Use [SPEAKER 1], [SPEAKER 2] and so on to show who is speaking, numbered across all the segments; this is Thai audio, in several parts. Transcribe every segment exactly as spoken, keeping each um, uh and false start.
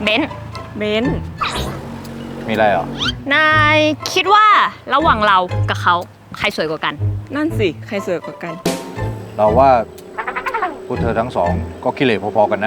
[SPEAKER 1] เบน
[SPEAKER 2] เบน
[SPEAKER 3] มีอะไรเหรอ
[SPEAKER 1] นายคิดว่าระหว่างเรากับเขาใครสวยกว่ากัน
[SPEAKER 2] นั่นสิใครสวยกว่ากัน
[SPEAKER 3] เราว่าพวกเธอทั้งสองก็กิเลสพอๆกันนะ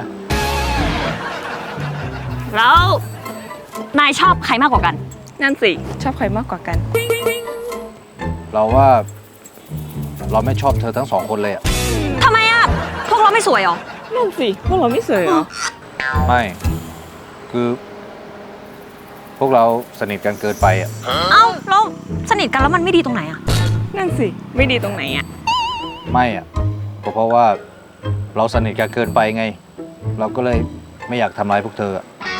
[SPEAKER 1] แล้วนายชอบใครมากกว่ากัน
[SPEAKER 2] นั่นสิชอบใครมากกว่ากัน
[SPEAKER 3] เราว่าเราไม่ชอบเธอทั้งสองคนเลยอะ
[SPEAKER 1] ทำไมอ่ะ พวกเราไม่สวยหรอ
[SPEAKER 2] นั่นสิพวกเราไม่สวยเหรอ
[SPEAKER 3] ไม่ คือ พวกเราสนิทกันเกินไปอะ
[SPEAKER 1] เอ้าแล้วสนิทกันแล้วมันไม่ดีตรงไหนอ่ะ
[SPEAKER 2] นั่นสิไม่ดีตรงไหนอ่ะ
[SPEAKER 3] ไม่อะก็เพราะว่าเราสนิทกันเกินไปไง เราก็เลยไม่อยากทำร้ายพวกเธออะ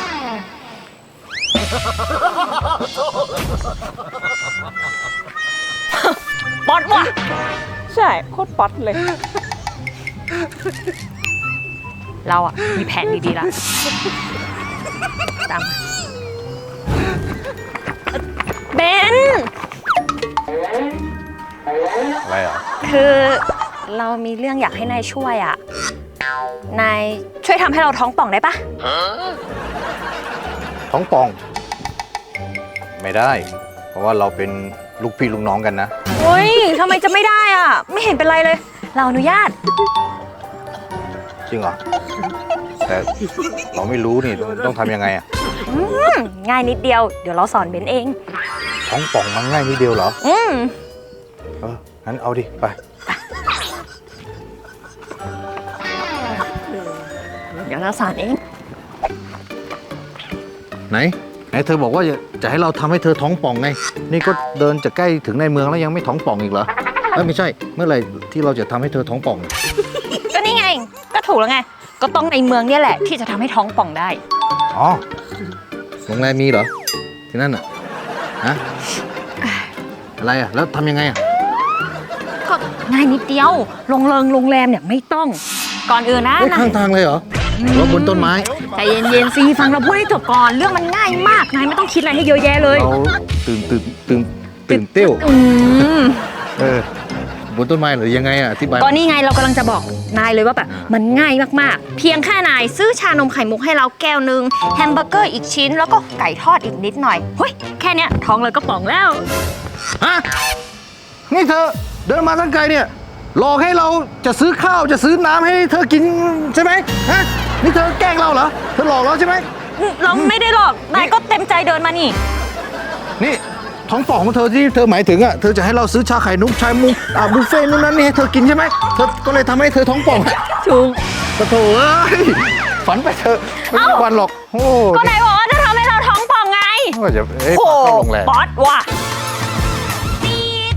[SPEAKER 1] ป๊อตว่ะ
[SPEAKER 2] ใช่โคตรป๊อตเลย
[SPEAKER 1] เราอ่ะมีแผนดีๆแล้วตามมาเบน
[SPEAKER 3] อะไรเหรอ
[SPEAKER 1] คือเรามีเรื่องอยากให้นายช่วยอ่ะ นายช่วยทำให้เราท้องป่องได้ปะ
[SPEAKER 3] ท้องป่อง ไม่ได้ เพราะว่าเราเป็นลูกพี่ลูกน้องกันนะ
[SPEAKER 1] เฮ้ยทำไมจะไม่ได้อ่ะ ไม่เห็นเป็นไรเลย เราอนุญาต
[SPEAKER 3] จริงเหรอ แต่เราไม่รู้นี่ต้องทำยังไงอะ
[SPEAKER 1] อืมง่ายนิดเดียว เดี๋ยวเราสอนเบนเอง
[SPEAKER 3] ท้องป่องมันง่ายนิดเดียวเหรอ
[SPEAKER 1] อืม
[SPEAKER 3] เอองั้นเอาดิ ไป
[SPEAKER 1] เดี๋ยวเราสอนเอง
[SPEAKER 3] ไหน ไหนเธอบอกว่าจะให้เราทำให้เธอท้องป่องไง นี่ก็เดินจะใกล้ถึงในเมืองแล้วยังไม่ท้องป่องอีกเหรอเอ้ยไม่ใช่ เมื่อไหร่ที่เราจะทำให้เธอท้องป่อง
[SPEAKER 1] ก็นี่ไง ก็ถูกแล้วไง ก็ต้องในเมืองเนี่ยแหละที่จะทำให้ท้องป่องได้
[SPEAKER 3] อ๋อ โรงแรมมีเหรอ ที่นั่นอ่ะ ฮะ อะไรอ่ะ แล้วทำยังไงอ่ะ
[SPEAKER 1] ก็ง่ายนิดเดียว โรงเริงโรงแรมเนี่ยไม่ต้อง ก่อนอื่นนะ
[SPEAKER 3] เฮ้ย
[SPEAKER 1] นาย
[SPEAKER 3] ข้างทางเลยเหรอหรือว่าบนต้นไม้
[SPEAKER 1] ใจเย็นๆสิฟังเราพูดให้จบก่อน เรื่องมันง่ายมาก นายไม่ต้องคิดอะไรให้เยอะแยะเลย
[SPEAKER 3] เราตื่นตื่นตื่นตื่นเต้ว
[SPEAKER 1] อืม
[SPEAKER 3] เออ บนต้นไม้หรือยังไงอ่ะอธิบาย
[SPEAKER 1] ก็นี่ไงเรากำลังจะบอกนายเลยว่าแบบมันง่ายมากๆ เพียงแค่นายซื้อชานมไข่มุกให้เราแก้วหนึ่งแฮมเบอร์เกอร์อีกชิ้น แล้วก็ไก่ทอดอีกนิดหน่อยเฮ้ยแค่เนี้ยท้องเลยก็ป่องแล้ว
[SPEAKER 3] ฮะ นี่เธอเดินมาตั้งไกลเนี่ย หลอกให้เราจะซื้อข้าวจะซื้อน้ำให้เธอกินใช่ไหมฮะ นี่เธอแกล้งเราเหรอ เธอหลอกเราใช่ไหม
[SPEAKER 1] เราไม่ได้หรอกนายก็เต็มใจเดินมานี่
[SPEAKER 3] นี่ท้องป่องของเธอที่เธอหมายถึงอ่ะ เธอจะให้เราซื้อชาไข่นุกชามุกอ่าบุฟเฟ่ต์นู่นนั่นนี่ให้เธอกินใช่ไหมเธอก็เลยทำให้เธอท้องป่อง
[SPEAKER 1] ถูก
[SPEAKER 3] ปะโถเอ้ยฝันไปเธอะไม่มีวันหรอก โอ้
[SPEAKER 1] ก็นายบอกว่าจะทำให้เราท้องป่องไง
[SPEAKER 3] ว่าจะเอ้ย
[SPEAKER 1] โอ้
[SPEAKER 3] เข้าโรงแรม
[SPEAKER 1] บอสว่ะ